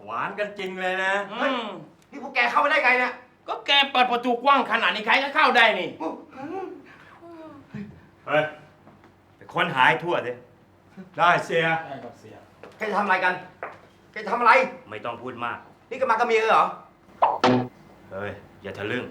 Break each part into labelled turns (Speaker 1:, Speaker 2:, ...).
Speaker 1: หวานกันจริงเลยนะ
Speaker 2: นี่พวกแกเข้ามาได้ไงเนี่ย
Speaker 3: ก็แกเปิดประตูกว้างขนาดนี้ใครก็เข้าได้นี่
Speaker 1: เฮ้ยไปค้นหาให้ทั่วสิได้เสีย
Speaker 3: ได้ครับเสีย
Speaker 2: แกจะทำอะไรกัน แกจะทำอะไร
Speaker 1: ไม่ต้องพูดมาก
Speaker 2: นี่ก็มากับเมียเหรอ
Speaker 1: เฮ้ย อย่าทะลึ่ง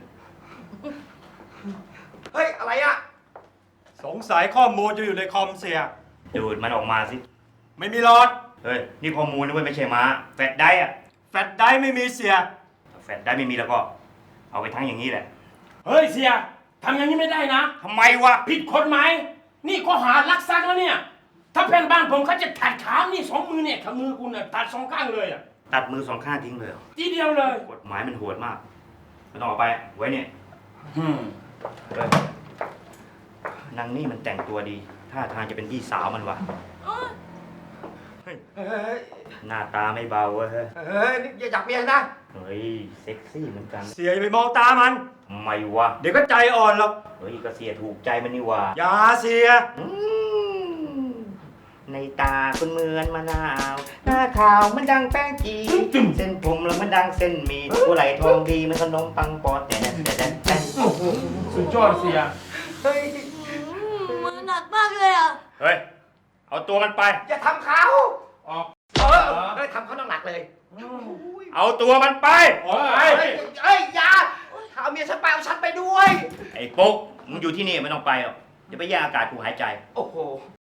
Speaker 2: เฮ้ย อะไรอะ
Speaker 4: สงสัยข้อมูลจะอยู่ในคอมเสีย
Speaker 1: ดูดมันออกมาสิ
Speaker 4: ไม่มีหลอด
Speaker 1: เฮ้ย นี่ข้อมูลนะเว้ยไม่ใช่ม้า แฟดได้อะ
Speaker 4: แฟลชไดรฟ์ไม่มีเสีย
Speaker 1: ถ้าแฟดได้ไม่มีแล้วก็ เอาไปทั้งอย่างนี้แหละ
Speaker 3: เฮ้ยเสียทำอย่างนี้ไม่ได้นะ
Speaker 1: ทำไมวะ
Speaker 3: ผิดกฎหมายนี่ข้อหารักทรัพย์แล้วเนี่ย ถ้าเพื่อนบ้านผมเขาจะตัดขานี่สองมือเนี่ยขามือคุณน่ะตัดสองข้างเลยอ่ะ
Speaker 1: ตัดมือสองข้างทิ้งเลยเหรอ
Speaker 3: ทีเดียวเลย
Speaker 1: กฎหมายมันโหดมากไม่ต้องเอาไป ไว้เนี่ย เฮ้ยนางนี่มันแต่งตัวดี ท่าทางจะเป็นพี่สาวมันวะ
Speaker 2: เฮ้ย
Speaker 1: หน้าตาไม่เบาเว้ย
Speaker 2: เฮ้ยนี่อย่าจับเมียนะ
Speaker 1: เฮ้ย เซ็กซี่เหมือนกัน
Speaker 4: เสียอย่าไปมองตามัน
Speaker 1: ทำไมวะ
Speaker 4: เดี๋ยวก็ใจอ่อนหรอก
Speaker 1: เฮ้ยก็เสียถูกใจมันนี่วะ
Speaker 4: อย่าเสีย
Speaker 1: อืมในตาคุณเหมือนมะนาว หน้าขาวมันดังแป้งจีเส้นผมแล้วมันดังเส้นหมี่ตัวไหลทองดีมันขนมปังปอดแต่
Speaker 3: สุดยอดเสีย
Speaker 2: เฮ้ย
Speaker 5: มือหนักมากเลยอ่ะ
Speaker 1: เฮ้ย เอาตัวมันไป
Speaker 2: อย่าทำเขา
Speaker 3: ออก
Speaker 2: เฮ้ยทำเขาหนักๆเลย
Speaker 1: เอาตัวมันไป
Speaker 3: โอ้ย
Speaker 2: เฮ้ย อย่าถ้าเอาเมียฉันไปเอาฉันไปด้วย
Speaker 1: ไอ้ปุ๊กมึงอยู่ที่นี่ไม่ต้องไปหรอกอย่าไปแย่งอากาศกูหายใจ
Speaker 2: โอ้โห